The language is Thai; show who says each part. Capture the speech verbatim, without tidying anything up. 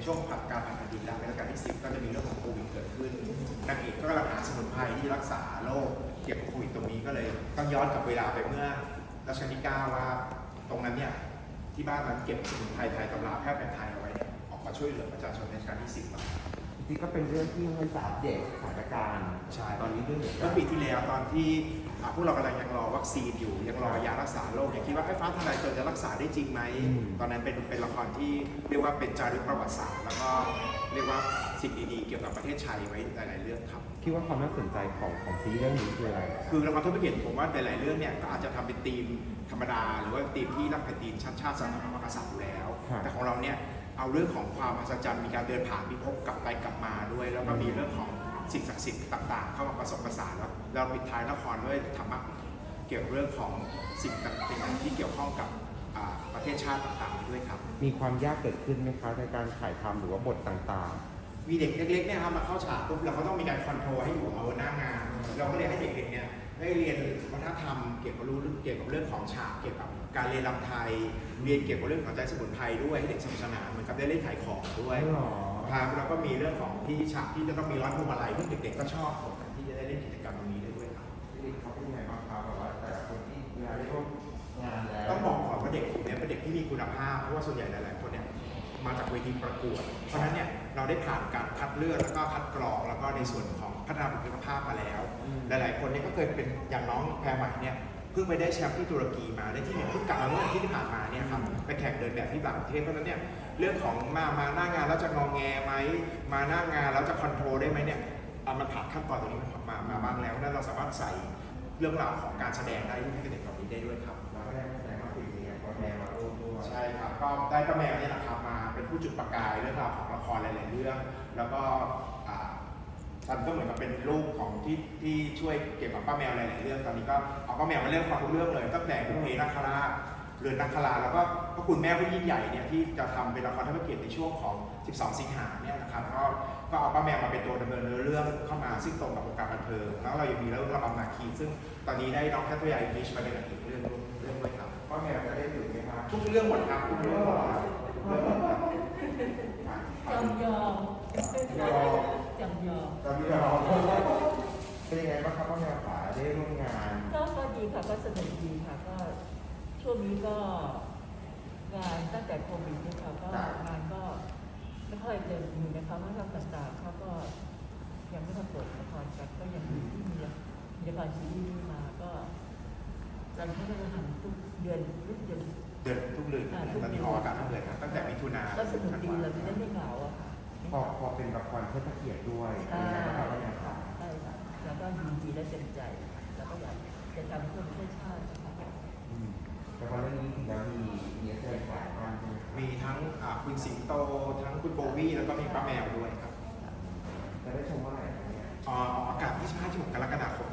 Speaker 1: ช่วงผัดการผ่านแผ่นดินแล้วในรัชกาลที่สิบก็จะมีเรื่องของโควิดเกิดขึ้นนางเอกก็กำลังหาสมุนไพรที่รักษาโรคเกี่ยวกับโควิดตรงนี้ก็เลยต้องย้อนกลับเวลาไปเมื่อรัชกาลที่เก้าว่าตรงนั้นเนี่ยที่บ้านนั้นเก็บสมุนไพรไทยตำราแพทย์แผนไทยเอาไว้เนี่ยออกมาช่วยเหลือประชาชนในรัชกาลที่สิบ
Speaker 2: จริงๆก็เป็นเรื่องที่ให้อัปเดตสถานการณ์
Speaker 1: ใช่
Speaker 2: ตอนนี้ด้วยเหมือนกั
Speaker 1: เมื่
Speaker 2: น
Speaker 1: อปีที่แล้วตอนที่พวกเรากำลังยังรอวัคซีนอยู่ยังรอยารักษาโรคยังคิดว่าไอ้ฟ้าทลายโจรจะรักษาได้จริงไหมตอนนั้นเป็นเป็นละครที่เรียกว่าเป็นจารึกประวัติศาสตร์แล้วก็เรียกว่าสิ่งดีๆเกี่ยวกับประเทศไทยไว้หลายๆเรื่องครับ
Speaker 2: คิดว่าความน่าสนใจของของซีรีส์เรื่องนี้คืออะไร
Speaker 1: คือละครทั่วไปเห็นผมว่าหลายๆเรื่องเนี่ยก็อาจจะทำเป็นธีมธรรมดาหรือว่าธีมที่รักแผ่นดินชาติชาติศาสนาพระมหากษัตริย์อยู่แล้วแต่ของเราเนี่ยเอาเรื่องของความมหัศจรรย์มีการเดินผ่านพิภพกลับไปกลับมาด้วยแล้วก็มีเรื่องของสิ่งศักดิ์สิทธิ์ต่างๆเข้ามาผสมผสานแล้วเราปิดท้ายละครด้วยธรรมะเกี่ยวกับเรื่องของสิ่งต่างๆที่เกี่ยวข้องกับประเทศชาติต่างๆด้วยครับ
Speaker 2: มีความยากเกิดขึ้นไหมคะในการถ่ายทำหรือว่าบทต่าง
Speaker 1: ๆมีเด็กเล็กๆเนี่ยครับมาเข้าฉากปุ๊บเราก็ต้องมีการคอนโทรลให้อยู่เอาหน้างานเราก็เลยให้เด็กๆเนี่ยได้เรียนวัฒนธรรมเกี่ยวกับรู้เกี่ยวกับเรื่องของฉากเกี่ยวกับการเรียนรำไทยเรียนเกี่ยวกับเรื่องของใจสมุนไพรด้วยให้เด็กสนุกสนานเหมือนกับได้เล่นขายของด้วยครับแล้วก็มีเรื่องของที่ฉากที่จะต้องมีร้อยพวงมาลัยที่เด็กๆก็ชอบที่จะได้เล่นกิจกรรมตรงนี้ได้ด้วยครับ
Speaker 2: เขาเป็นยังไงบ้างครับแบบว่าแต่ละคนที่เวลาได้ร่วมงานแล้ว
Speaker 1: ต้องบอกก่อนว่าเด็กกลุ่มนี้เป็นเด็กที่มีคุณภาพเพราะว่าส่วนใหญ่หลายๆคนเนี่ยมาจากเวทีประกวดเพราะฉะนั้นเนี่ยเราได้ผ่านการคัดเลือกแล้วก็คัดกรองแล้วก็ในส่วนของพัฒนาบุคลิกภาพมาแล้วหลายๆคนเนี่ยก็เคยเป็นอย่างน้องแพรใหม่เนี่ยเพิ่งไปได้แชมป์ที่ตุรกีมาได้ที่หนึ่งเพิ่งกลับมาเมื่ออาทิตย์ที่ผ่านมาเนี่ยครับไปแข่งเดินแบบที่ต่างประเทศเพราะฉะนั้นเนี่ยเรื่องของมามาหน้างานแล้วจะงอแงไหมมาหน้างานแล้วจะคอนโทรลได้ไหมเนี่ยมันผ่านขั้นตอนตรงนี้มามาบ้างแล้วนั่นเราสามารถใส่เรื่องราวของการแสดงได้ให้เด็กเหล่านี้ได้ด้วยครับ
Speaker 2: แล้วก็ได้แสดงมาปีนี้ก็แมวมาร่วมด้วย
Speaker 1: ใช่ครับก็ได้ป้าแมวเนี่ยนะครับมาเป็นผู้จุดประกายเรื่องราวของละครหลายๆเรื่องแล้วก็ท่านก็เหมือนกับเป็นลูกของที่ที่ช่วยเกี่ยวกับป้าแมวหลายๆเรื่องตอนนี้ก็เอาป้าแมวมาเล่นความทุกเรื่องเลยตั้งแต่บุพเพนักคราชเรือนนักคราแล้วก็พระคุณแม่ผู้ยิ่งใหญ่เนี่ยที่จะทำเป็นละครเทิดพระเกียรติในช่วงของสิบสองสิงหาเนี่ยนะครับก็ก็เอาป้าแมวมาเป็นตัวดำเนินเนื้อเรื่องเข้ามาซึ่งตรงกับวงการบันเทิงแล้วเรายังมีเรื่องระบำนาคีซึ่งตอนนี้ได้น้องแคทเธอรีนอิงลิชมาเป็นอีกเรื่องเรื่องด้วยครับ
Speaker 2: ป้าแมวจะได้อยู่ไหมครับ
Speaker 1: ทุกเรื่องหมดครับทุกเรื่องหมดครับ
Speaker 3: จำยอม
Speaker 2: ยอม
Speaker 3: จำยอม
Speaker 2: จำยอมเป็นยังไงบ้างครับป้าแมวขาได้ร่วมงาน
Speaker 3: ก็ก็ดีค่ะก็สนุกดีค่ะก็ช่วงนี้ก็งานตั้งแต่โควิดนี่ค่ะก็งานก็ไม่ค่อยเดินอยู่นะคะเพราะว่าต่างๆเขาก็ยังไม่มาเปิดละครกันก็ยังมีที่มีละครซีรีส์มาก็เราก็จะทำทุกเดือนทุกเดือน
Speaker 1: เดือนทุกเดือนตอนนี้ออกอากาศทุกเดือนครับตั้งแต่มิถุนา
Speaker 3: ก็สนุกดีเราจะได้ไม่เหงาอะค่ะ
Speaker 2: พอพอเป็นละครเทิดพระเกียรติด้วย
Speaker 3: ใช่
Speaker 2: ครับป้าแมวขา
Speaker 3: ใช่ค่ะแล้วก็ยินดีและเต็มใจแล้วก็อยากจะทำเพื่อประเทศชาติ
Speaker 2: แต่พอเรื่องนี้ถึงแล้วมีมีแสดงหลายท่านใช่ไหม
Speaker 1: มีทั้งคุณสิงโตทั้งคุณโบวี่แล้วก็มีป้าแมวด้วยครับ
Speaker 2: จะได้ชมเมื่อไหร่เนี่ย
Speaker 1: ออกอากาศที่สิบห้า ที่สิบหกกรกฎาคม